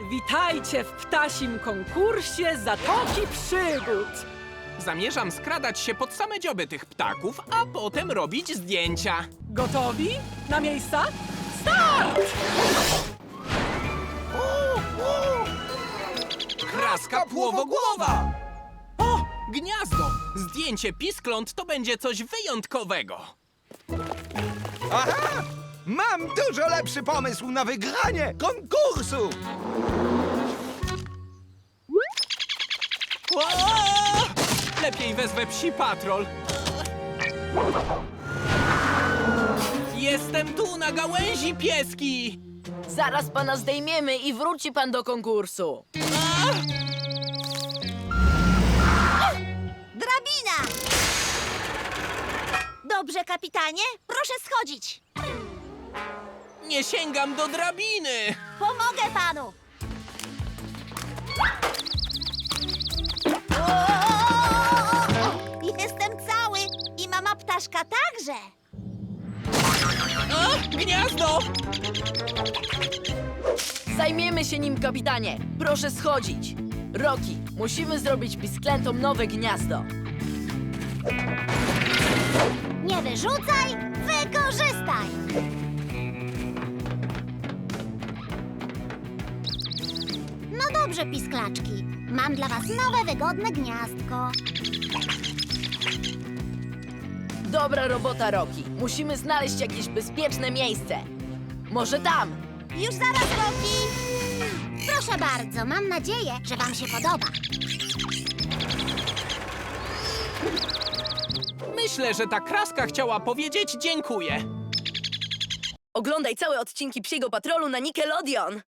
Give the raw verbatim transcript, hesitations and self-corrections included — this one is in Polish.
Witajcie w ptasim konkursie Zatoki Przygód. Zamierzam skradać się pod same dzioby tych ptaków, a potem robić zdjęcia. Gotowi? Na miejsca? Start! Kraska płowogłowa! O, gniazdo! Zdjęcie piskląt to będzie coś wyjątkowego. Aha! Mam dużo lepszy pomysł na wygranie konkursu! O! Lepiej wezwę psi patrol. Jestem tu na gałęzi, pieski! Zaraz pana zdejmiemy i wróci pan do konkursu. Drabina! Dobrze, kapitanie, proszę schodzić. Nie sięgam do drabiny! Pomogę panu. O! Jestem cały i mama ptaszka także. O, gniazdo! Zajmiemy się nim, kapitanie. Proszę schodzić. Rocky, musimy zrobić pisklętom nowe gniazdo. Nie wyrzucaj, wykorzystaj. No dobrze, pisklaczki. Mam dla was nowe, wygodne gniazdko. Dobra robota, Rocky. Musimy znaleźć jakieś bezpieczne miejsce. Może tam. Już zaraz, Roki. Proszę bardzo, mam nadzieję, że wam się podoba. Myślę, że ta kraska chciała powiedzieć dziękuję. Oglądaj całe odcinki Psiego Patrolu na Nickelodeon.